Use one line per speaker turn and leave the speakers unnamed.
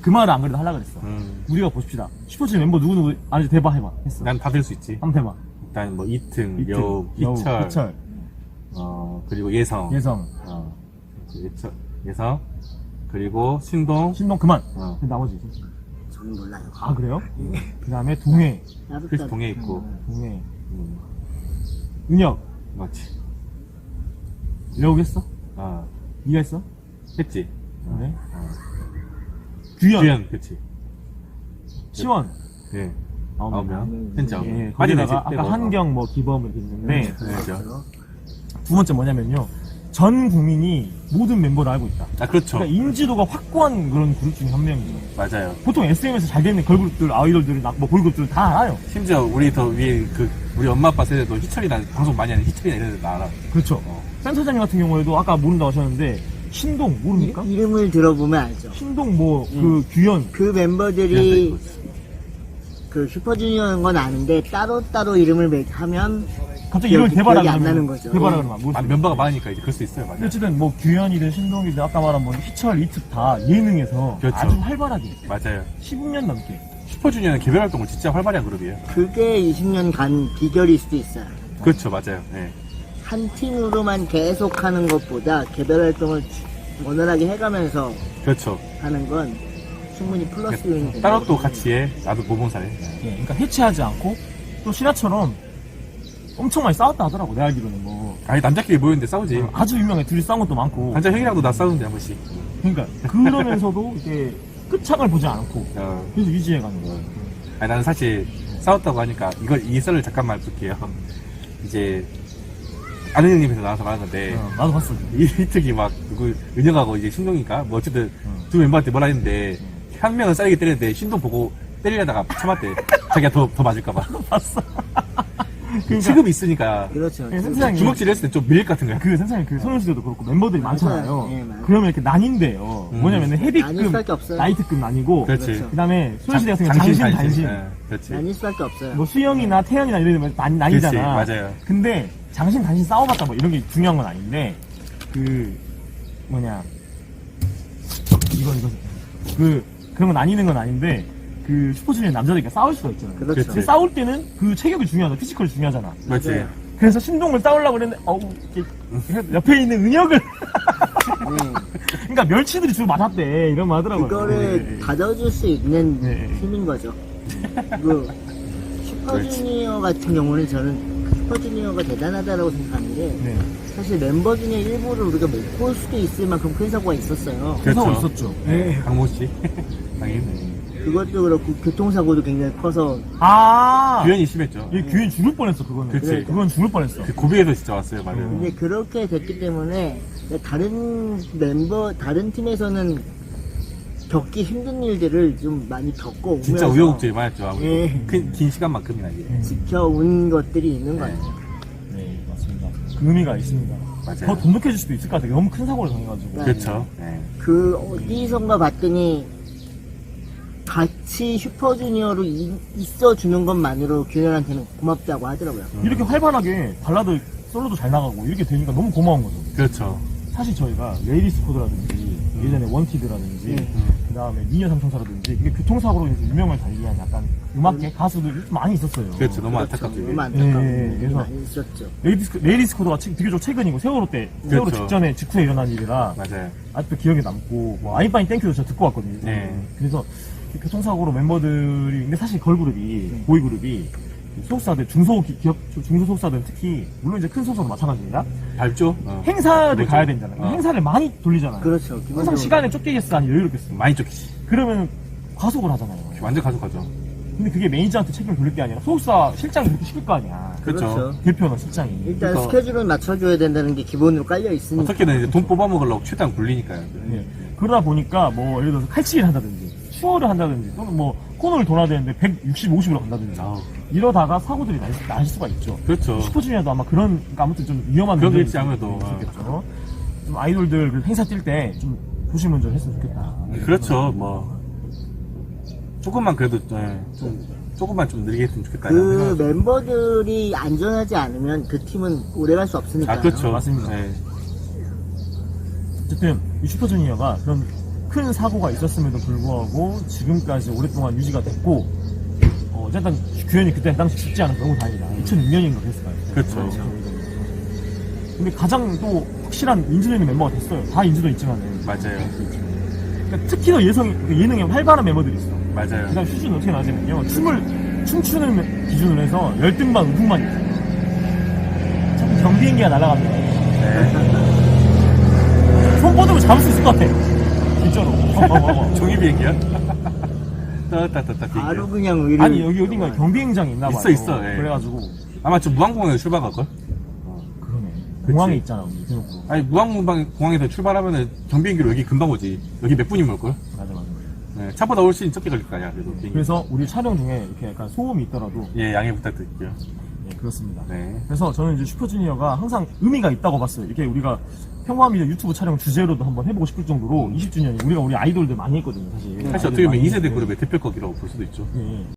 그 말을 안 그래도 하려고 그랬어. 우리가 봅시다. 슈퍼주니어 멤버 누구누구 아는지 대봐 해봐. 했어.
난 다 될 수 있지.
한번 대봐.
일단 뭐 이튼,
이튼,
여우,
여우,
희철, 그리고 예성.
예성.
예성. 그리고 신동.
신동 그만.
어.
그 나머지.
저는 몰라요.
아, 그래요? 그 다음에 동해.
나도
그래서 동해 있고.
동해.
음,
은혁.
맞지.
여우 했어? 니가 했어?
했지.
그래? 규현.
규현, 그치.
시원.
네.
아홉
9명. 현재 9명.
예,
빠지네,
거기다가
빼고.
아까 한경 뭐 기범 이렇게 있는데
그렇죠.
두 번째 뭐냐면요. 전 국민이 모든 멤버를 알고 있다.
아, 그렇죠.
그러니까 인지도가 확고한 그런 그룹 중에 한 명이죠.
맞아요.
보통 SM에서 잘 되는 걸그룹들, 아이돌들, 뭐 보이그룹들 다 알아요.
심지어 우리 더 위에 우리 엄마 아빠 세대도 희철이나 방송 많이 하는 희철이나 이런 애들 알아.
그렇죠. 센터장님 같은 경우에도 아까 모른다고 하셨는데 신동 모릅니까?
이름을 들어보면 알죠.
신동 뭐 그 규현
그 멤버들이 그 슈퍼주니어인 건 아는데 따로따로 이름을 하면
갑자기 이름을 대봐라
기억이 안
그러면
나는 거죠.
대봐라
예.
그러면 모르겠어요.
멤버가 많으니까 이제 그럴 수 있어요.
근데
맞아요.
어쨌든 뭐 규현이든 신동이든 아까 말한 뭐 희철, 이특 다 예능에서
그렇죠.
아주 활발하게
맞아요.
15년 넘게
슈퍼주니어는 개별 활동을 진짜 활발한 그룹이에요.
그게 20년 간 비결일 수도 있어요.
그렇죠, 맞아요. 네.
한 팀으로만 계속 하는 것보다 개별 활동을 원활하게 해가면서
그렇죠.
하는 건 충분히 플러스 요인이 된다.
따로 또 같이 해. 나도 모범사래.
예, 그러니까 해체하지 않고 또 신화처럼 엄청 많이 싸웠다 하더라고 내가 알기로는 뭐
아니 남자끼리 모였는데 싸우지.
아주 유명해 둘이 싸운 것도 많고
한자 형이랑도 나 싸우는데 한 번씩.
그러니까 그러면서도 이게 끝장을 보지 않고
어.
계속 유지해가는 거야.
아니 나는 사실 싸웠다고 하니까 이 썰을 잠깐만 볼게요. 이제 아는 형님에서 나와서 말한 건데
나도 봤어.
이특이 막 누구 은영하고 이제 신동인가 뭐 어쨌든 두 멤버한테 뭐라 했는데 한 명은 싸게 때렸는데 신동 보고 때리려다가 참았대. 자기가 더 맞을까봐.
봤어.
체급이 있으니까
그렇죠.
예, 센터장님
주먹질 했을 때 좀 밀 같은 거야.
그 선생님 그 소녀시대도 그렇고 멤버들이
맞아요.
많잖아요.
예, 맞아요.
그러면 이렇게 나뉜대요. 뭐냐면은
나뉠
헤비급,
수밖에 없어요.
라이트급 나뉘고
그렇지.
그렇죠.
그다음에 소녀시대 같은 경우 장신, 단신.
예, 그렇지.
나뉠 수밖에 없어요.
뭐 수영이나 태연이나 이런 데면 나뉘잖아.
그렇지, 맞아요.
근데 장신, 단신 싸워봤다 뭐 이런 게 중요한 건 아닌데 그런 건 나뉘는 건 아닌데 그 슈퍼주니어 남자들끼리 싸울 수가 있잖아요.
그렇죠.
근데 싸울 때는 그 체격이 중요하다, 피지컬이 중요하잖아.
맞지.
맞아요.
그래서 신동을 싸우려고 그랬는데 옆에 있는 은혁을 그러니까 멸치들이 주로 맞았대 이런 말 하더라고요.
그거를 가져줄 수 있는
네.
팀인 거죠. 그 슈퍼주니어 같은 경우는 저는 슈퍼주니어가 대단하다고 생각하는 게
네.
사실 멤버 중에 일부를 우리가 못 볼 수도 있을 만큼 큰 사고가 있었어요.
그래서
그렇죠.
있었죠.
네, 강모 씨. 당연히.
그것도 그렇고 교통사고도 굉장히 커서
규현이 심했죠.
얘 규현 죽을 뻔했어 그거는.
그치.
그건 죽을 뻔했어.
그 고비에서 진짜 왔어요, 맞아요.
근데 그렇게 됐기 때문에 다른 멤버 다른 팀에서는 겪기 힘든 일들을 좀 많이 겪고
진짜
오면서
우여곡절이 많았죠. 아무래도.
예.
긴 시간만큼이나 이게.
지켜온 것들이 있는 것 같아요.
네 맞습니다. 그 의미가 있습니다.
맞아요.
더 돈독해질 수도 있을 것 같아요. 너무 큰 사고를 당해가지고.
네.
그렇죠. 네.
그 어디선가 봤더니 같이 슈퍼주니어로 있어주는 것만으로 규현한테는 고맙다고 하더라고요.
이렇게 활발하게 발라드 솔로도 잘 나가고 이렇게 되니까 너무 고마운 거죠.
그렇죠.
사실 저희가 레이디스 코드라든지 예전에 원티드라든지 그 다음에 미녀 삼총사라든지 이게 교통사고로 이제 유명을 달리한 약간 음악계 가수들이 좀 많이 있었어요.
그렇죠. 너무
그렇죠.
안타깝죠. 이게.
너무 안타까운
예,
일이
그래서-
많이 있었죠.
레이디스 코드가 비교적 최근이고 세월호
그렇죠.
직후에 일어난 일이라
맞아요.
아직도 기억에 남고 뭐 아이파인 땡큐도 저 듣고 왔거든요.
네.
그래서 교통사고로 멤버들이 근데 사실 걸그룹이 보이그룹이 소속사들 중소 소속사들 특히 물론 이제 큰 소속사도 마찬가지입니다.
밟죠?
행사를
그렇죠.
가야 되잖아요. 행사를 많이 돌리잖아요.
그렇죠.
항상
기본적으로.
시간에 쫓기겠어 아니 여유롭겠어.
많이 쫓기지.
그러면 과속을 하잖아요.
완전 가속하죠.
근데 그게 매니저한테 책임을 돌릴 게 아니라 소속사 실장이 그렇게 시킬 거 아니야.
그렇죠.
대표나 실장이.
일단
그러니까-
스케줄을 맞춰줘야 된다는 게 기본으로 깔려 있으니까.
어떻게든 이제 돈 뽑아먹으려고 최대한 굴리니까요.
예. 그러다 보니까 뭐 예를 들어서 칼치기를 한다든지 추월을 한다든지 또는 뭐 코너를 돌아야 되는데 160, 50으로 간다든지
아우.
이러다가 사고들이 날 수가 있죠.
그렇죠.
슈퍼주니어도 아마 그러니까 아무튼 좀 위험한
그런 게
문제일
있지, 아무래도.
있겠죠. 좀 아이돌들 그 행사 뛸 때 좀 조심운전 했으면 좋겠다.
그렇죠. 뭐 조금만 그래도 조금만 좀 느리게 했으면 좋겠다.
그 멤버들이 안전하지 않으면 그 팀은 오래갈 수 없으니까.
아 그렇죠.
맞습니다.
네.
어쨌든 이 슈퍼주니어가 그런 큰 사고가 있었음에도 불구하고 지금까지 오랫동안 유지가 됐고 어쨌든 규현이 그때 당시 죽지 않아서 너무 다행이다. 2006년인가 그랬을까요?
그렇죠.
근데 가장 또 확실한 인지도 있는 멤버가 됐어요. 다 인지도 있지만은.
맞아요.
그러니까 특히 더 예능에 활발한 멤버들이 있어.
맞아요.
그다음 수준은 어떻게 나냐면요. 춤추는 기준으로 해서 열등반, 우승만 있어요. 자꾸 경비행기가 날아갑니다.
네.
손 뻗으면 잡을 수 있을 것 같아. 진짜로.
종이 비행기야? 따따따따
바로
비행기.
그냥 의료.
아니 여기 어딘가 경비행장이 있나 봐요.
있어, 예.
그래가지고
아마 저 무항공항에서 출발할걸?
그러네. 공항에 있잖아 우리 대놓고.
아니 무항공항에서 출발하면은 경비행기로 여기 금방 오지. 여기 몇 분이면 올걸?
맞아.
네, 차보다 훨씬 적게 걸릴 거 아니야. 그래도 비행기.
그래서 우리 촬영 중에 이렇게 약간 소음이 있더라도
예, 양해 부탁드릴게요.
네, 그렇습니다.
네.
그래서 저는 이제 슈퍼주니어가 항상 의미가 있다고 봤어요. 이렇게 우리가 평화미디어 유튜브 촬영 주제로도 한번 해보고 싶을 정도로 20주년이 우리 아이돌들 많이 했거든요, 사실.
사실 어떻게 보면 2세대 그룹의 대표격이라고 볼 수도 있죠.
예.